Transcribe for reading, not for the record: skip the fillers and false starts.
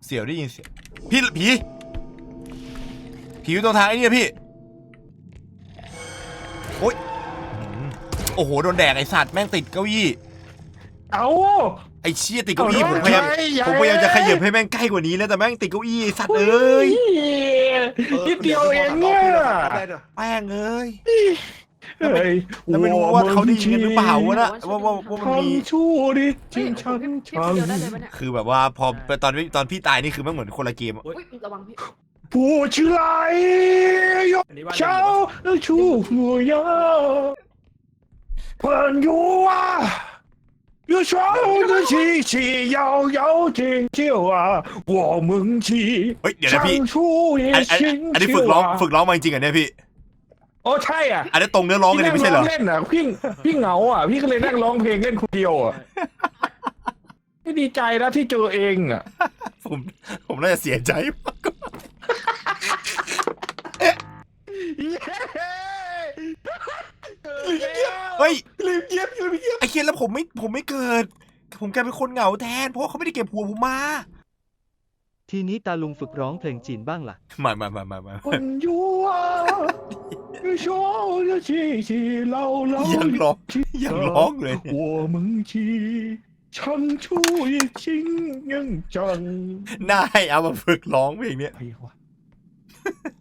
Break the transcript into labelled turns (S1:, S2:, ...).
S1: เสียวได้ยินเสียงพี่ผีอยู่ตรงทางไอ้นี่พี่โอ๊ยโอ้โหโดนแดกไอ้สัตว์แม่งติดเก้าอี้
S2: เอา
S1: ไอ้เชี่ยติดเก้าอี้ผมพยายามจะขยับให้แม่งใกล้กว่านี้แล้วแต่แม่งติดเก้าอี้ไอ้สัตว์เอ้ย
S2: นิดเดียวเองเนี่ย
S1: แม่งเอ้ย
S2: เฮ้ย
S1: แล้วไม่รู้ว่าเขาได้ยินกันหรือเปล่าวะนะว่ามันมี
S2: ทำชั่วดิจริงฉัน
S3: พี่คนเดียวได้เลยปะเนี่ย
S1: คือแบบว่าพอตอนพี่ตายนี่คือมันเหมือนคนละเกม
S3: อุ้ยระวังพี่
S2: ผู้ชื่อไรยกเช้าชูหัวยาเพื่อนอยู่อ่ะ有双的气息摇摇静就啊，我们起
S1: เฮ้ยเดี๋ยวนะพี่
S2: 唱出也
S1: อันนี้
S2: 心
S1: ฝึก
S2: 就
S1: ร้อง
S2: 啊。
S1: ฝึกร้องมาจริงๆอ่ะเนี่ยพี่
S2: โอ้ใช่อ่ะ
S1: อันนี้ตรงเนื้อร้องกันเลยไม่ใช่เหรอ
S2: พี่นั่งเล่นอ่ะพี่เหงาอ่ะพี่ก็เลยนั่งร้องเพลงเล่นคนเดียวอ่ะพี่ดีใจนะที่เจอเองอ่ะ
S1: ผมน่าจะเสียใจมากกว่าเฮ้ย
S2: ลืมเก็บอยู่เก็บ
S1: ไอ้เคียนแล้วผมไม่เกิด ผมกลายเป็นคนเหงาแทนเพราะเขาไม่ได้เก็บหัวผมมา
S4: ทีนี้ตาลุงฝึกร้องเพลงจีนบ้างล่ะ
S1: มา
S2: คนอยู่อ่ะ说的气息牢牢
S1: ยังร้องเลยเนี่ย
S2: 我们起唱出一心ยังจัง
S1: น่าให้เอามาฝึกร้องเพลงเนี้ย
S2: ไอ้วะ